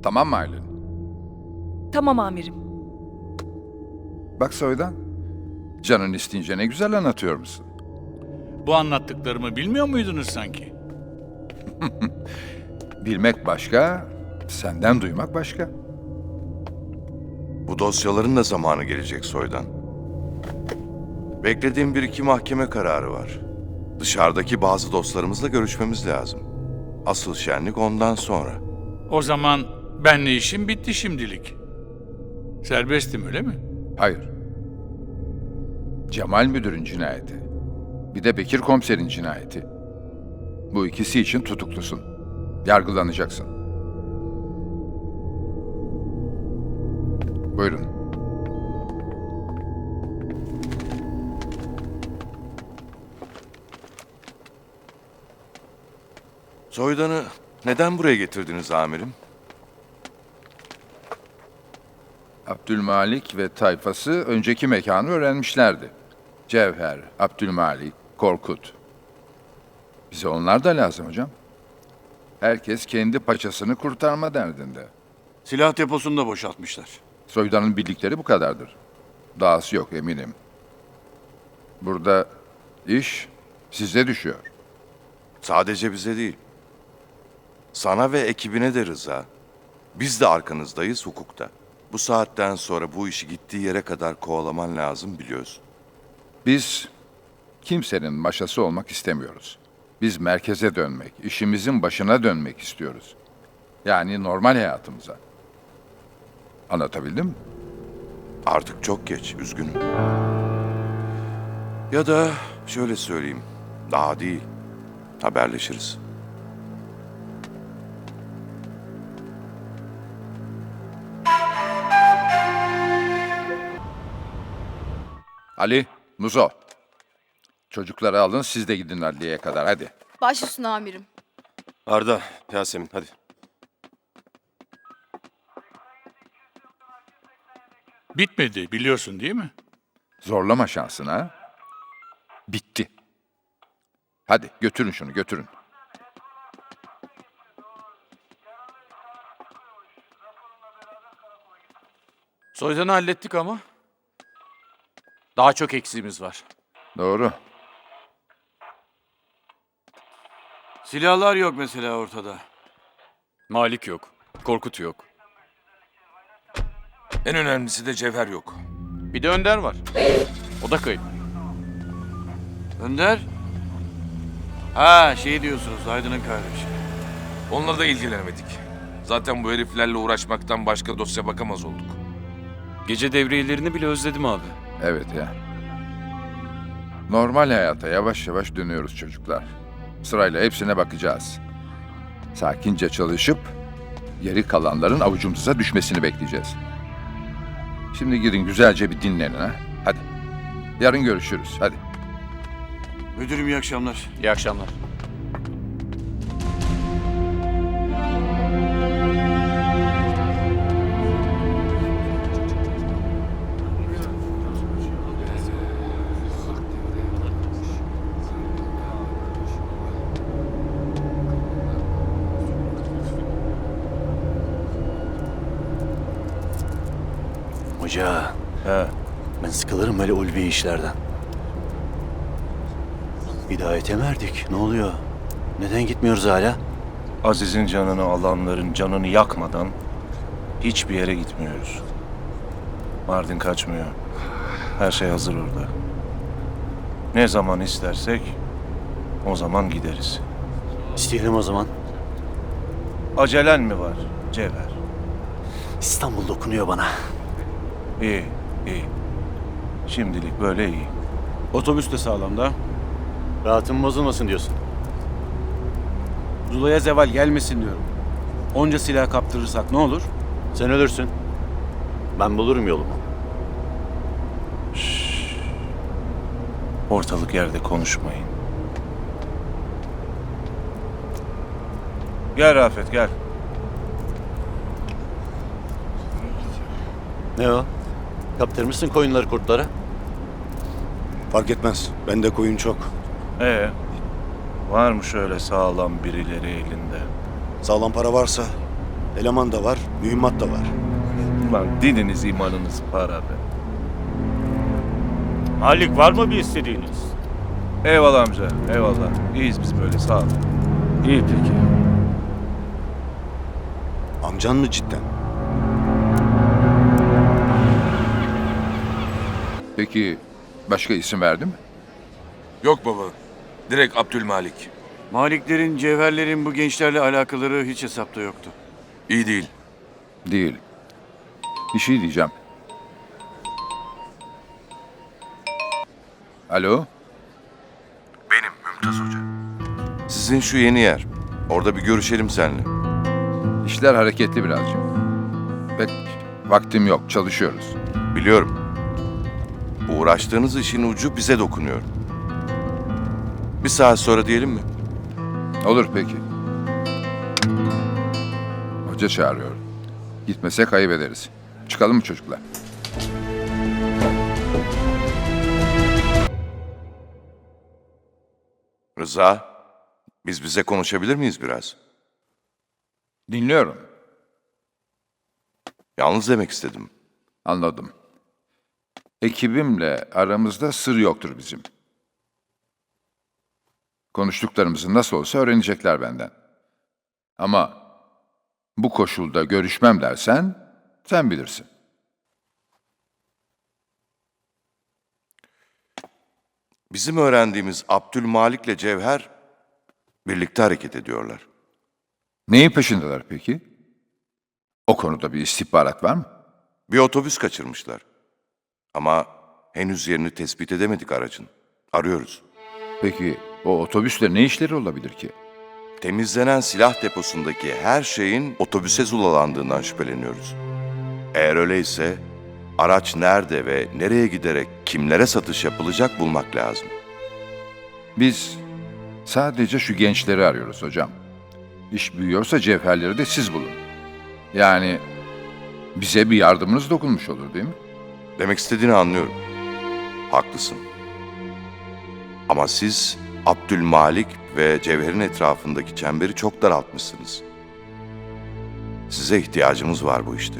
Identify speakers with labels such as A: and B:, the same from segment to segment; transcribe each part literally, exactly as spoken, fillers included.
A: Tamam mı Aylin?
B: Tamam amirim.
A: Bak Soydan, canın isteyince ne güzel anlatıyor musun?
C: Bu anlattıklarımı bilmiyor muydunuz sanki?
A: Bilmek başka, senden duymak başka.
D: Bu dosyaların da zamanı gelecek Soydan. Beklediğim bir iki mahkeme kararı var. Dışarıdaki bazı dostlarımızla görüşmemiz lazım. Asıl şenlik ondan sonra.
C: O zaman benle işim bitti şimdilik. Serbestim öyle mi?
A: Hayır. Cemal müdürün cinayeti. Bir de Bekir komiserin cinayeti. Bu ikisi için tutuklusun. Yargılanacaksın. Buyurun.
D: Soydan'ı neden buraya getirdiniz amirim?
A: Abdülmalik ve tayfası önceki mekanı öğrenmişlerdi. Cevher, Abdülmalik, Korkut. Bize onlar da lazım hocam. Herkes kendi paçasını kurtarma derdinde.
E: Silah deposunu da boşaltmışlar.
A: Soydan'ın bildikleri bu kadardır. Dahası yok eminim. Burada iş size düşüyor.
D: Sadece bize değil. Sana ve ekibine de Rıza. Biz de arkanızdayız hukukta. Bu saatten sonra bu işi gittiği yere kadar kovalaman lazım biliyorsun.
A: Biz kimsenin maşası olmak istemiyoruz. Biz merkeze dönmek, işimizin başına dönmek istiyoruz. Yani normal hayatımıza. Anlatabildim mi?
D: Artık çok geç, üzgünüm. Ya da şöyle söyleyeyim, daha değil. Haberleşiriz.
A: Ali, Muzo. Çocukları alın, siz de gidin adliyeye kadar, hadi.
F: Baş üstüne amirim.
G: Arda, Yasemin hadi.
C: Bitmedi biliyorsun değil mi?
A: Zorlama şansını ha. Bitti. Hadi götürün şunu, götürün.
E: Soydan'ı hallettik ama daha çok eksiğimiz var.
A: Doğru.
E: Silahlar yok mesela ortada.
G: Malik yok, Korkut yok. En önemlisi de Cevher yok.
E: Bir de Önder var. O da kayıp. Önder? Ha şey diyorsunuz Aydın'ın kardeşi.
G: Onunla da ilgilenemedik. Zaten bu heriflerle uğraşmaktan başka dosya bakamaz olduk. Gece devriyelerini bile özledim abi.
A: Evet ya. Normal hayata yavaş yavaş dönüyoruz çocuklar. Sırayla hepsine bakacağız. Sakince çalışıp geri kalanların avucumuza düşmesini bekleyeceğiz. Şimdi gidin güzelce bir dinlenin ha. Hadi. Yarın görüşürüz. Hadi.
E: Müdürüm iyi akşamlar.
G: İyi akşamlar.
H: Hoca,
G: He.
H: ben sıkılırım böyle ulvi işlerden. Hidayete mi erdik? Ne oluyor? Neden gitmiyoruz hala?
I: Aziz'in canını alanların canını yakmadan hiçbir yere gitmiyoruz. Mardin kaçmıyor. Her şey hazır orada. Ne zaman istersek o zaman gideriz.
H: İsteyelim o zaman.
I: Acelen mi var Cevher?
H: İstanbul dokunuyor bana.
I: İyi, iyi. Şimdilik böyle iyi.
E: Otobüs de sağlamda.
H: Rahatım bozulmasın diyorsun.
E: Zula'ya zeval gelmesin diyorum. Onca silah kaptırırsak ne olur?
H: Sen ölürsün. Ben bulurum yolumu.
I: Ortalık yerde konuşmayın. Gel Rafet gel.
H: Ne o? Kaptırmışsın koyunları kurtlara.
J: Fark etmez. Bende koyun çok.
I: Ee, var mı şöyle sağlam birileri elinde?
J: Sağlam para varsa Eleman da var, mühimmat da var.
I: Ulan dininiz imanınız para be.
F: Halik var mı bir istediğiniz?
I: Eyvallah amca, eyvallah. İyiyiz biz böyle, sağ ol.
F: İyi peki.
J: Amcan mı cidden?
A: Peki başka isim verdi mi?
G: Yok baba. Direkt Abdülmalik.
H: Maliklerin, cevherlerin bu gençlerle alakaları hiç hesapta yoktu.
G: İyi değil.
A: Değil. Bir şey diyeceğim. Alo?
D: Benim Mümtaz Hoca. Sizin şu yeni yer. Orada bir görüşelim seninle.
A: İşler hareketli birazcık. Pek vaktim yok, çalışıyoruz.
D: Biliyorum. Uğraştığınız işin ucu bize dokunuyor. Bir saat sonra diyelim mi?
A: Olur peki. Hoca çağırıyor. Gitmesek ayıp ederiz. Çıkalım mı çocuklar?
D: Rıza, biz bize konuşabilir miyiz biraz?
A: Dinliyorum.
D: Yalnız demek istedim.
A: Anladım. Ekibimle aramızda sır yoktur bizim. Konuştuklarımızı nasıl olsa öğrenecekler benden. Ama bu koşulda görüşmem dersen sen bilirsin.
D: Bizim öğrendiğimiz Abdülmalik'le Cevher birlikte hareket ediyorlar.
A: Neyin peşindeler peki? O konuda bir istihbarat var mı?
D: Bir otobüs kaçırmışlar. Ama henüz yerini tespit edemedik aracın. Arıyoruz.
A: Peki o otobüsle ne işleri olabilir ki?
D: Temizlenen silah deposundaki her şeyin otobüse zulalandığından şüpheleniyoruz. Eğer öyleyse araç nerede ve nereye giderek kimlere satış yapılacak bulmak lazım.
A: Biz sadece şu gençleri arıyoruz hocam. İş büyüyorsa cevherleri de siz bulun. Yani bize bir yardımınız dokunmuş olur değil mi?
D: Demek istediğini anlıyorum. Haklısın. Ama siz Abdülmalik ve Cevher'in etrafındaki çemberi çok daraltmışsınız. Size ihtiyacımız var bu işte.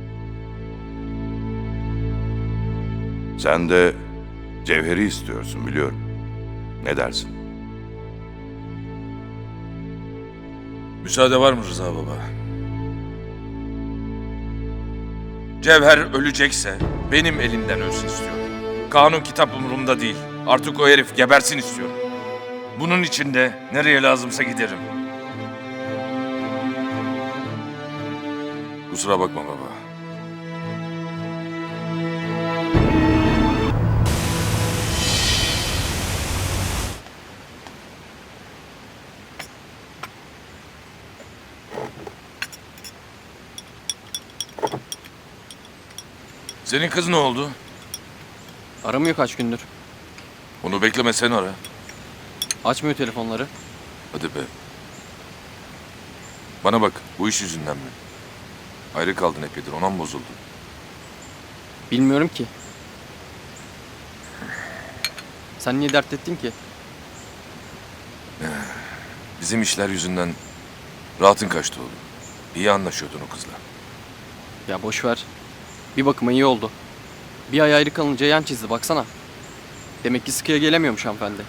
D: Sen de Cevher'i istiyorsun biliyorum. Ne dersin?
G: Müsaade var mı Rıza baba? Cevher ölecekse benim elimden ölsün istiyorum. Kanun kitap umurumda değil. Artık o herif gebersin istiyorum. Bunun için de nereye lazımsa giderim. Kusura bakma baba. Senin kız ne oldu?
K: Aramıyor kaç gündür.
G: Onu bekleme, sen ara.
K: Açmıyor telefonları.
G: Hadi be. Bana bak, bu iş yüzünden mi? Ayrı kaldın epeydir, ona mı bozuldun?
K: Bilmiyorum ki. Sen niye dert ettin ki?
G: Bizim işler yüzünden rahatın kaçtı oğlum. İyi anlaşıyordun o kızla.
K: Ya boş ver. Bir bakıma iyi oldu. Bir ay ayrı kalınca yan çizdi baksana. Demek ki sıkıya gelemiyormuş hanımefendi.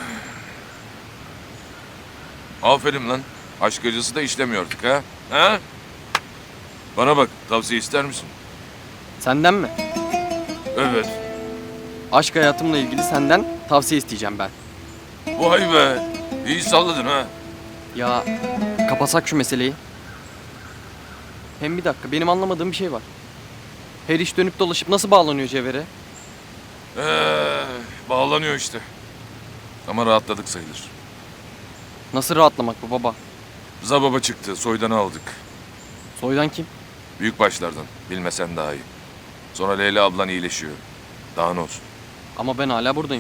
G: Aferin lan. Aşk acısı da işlemiyorduk ha? Ha? Bana bak, tavsiye ister misin?
K: Senden mi?
G: Evet.
K: Aşk hayatımla ilgili senden tavsiye isteyeceğim ben.
G: Vay be. İyi salladın ha.
K: Ya kapasak şu meseleyi. Hem bir dakika, benim anlamadığım bir şey var. Her iş dönüp dolaşıp nasıl bağlanıyor Cevher'e?
G: Ee, bağlanıyor işte. Ama rahatladık sayılır.
K: Nasıl rahatlamak bu baba?
G: Rıza baba çıktı, soydanı aldık.
K: Soydan kim?
G: Büyük başlardan, bilmesen daha iyi. Sonra Leyla ablan iyileşiyor. Daha ne olsun.
K: Ama ben hala buradayım.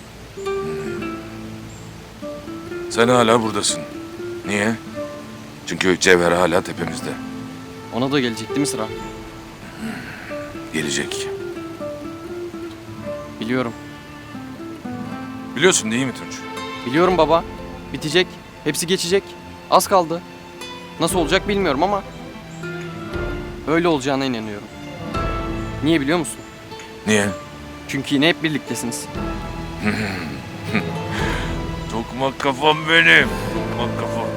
G: Sen hala buradasın. Niye? Çünkü Cevher hala tepemizde.
K: Ona da gelecek değil mi sıra?
G: Gelecek.
K: Biliyorum.
G: Biliyorsun değil mi Tunç?
K: Biliyorum baba. Bitecek. Hepsi geçecek. Az kaldı. Nasıl olacak bilmiyorum ama Böyle olacağına inanıyorum. Niye biliyor musun?
G: Niye?
K: Çünkü yine hep birliktesiniz.
G: Tokmak kafam benim. Tokmak kafam.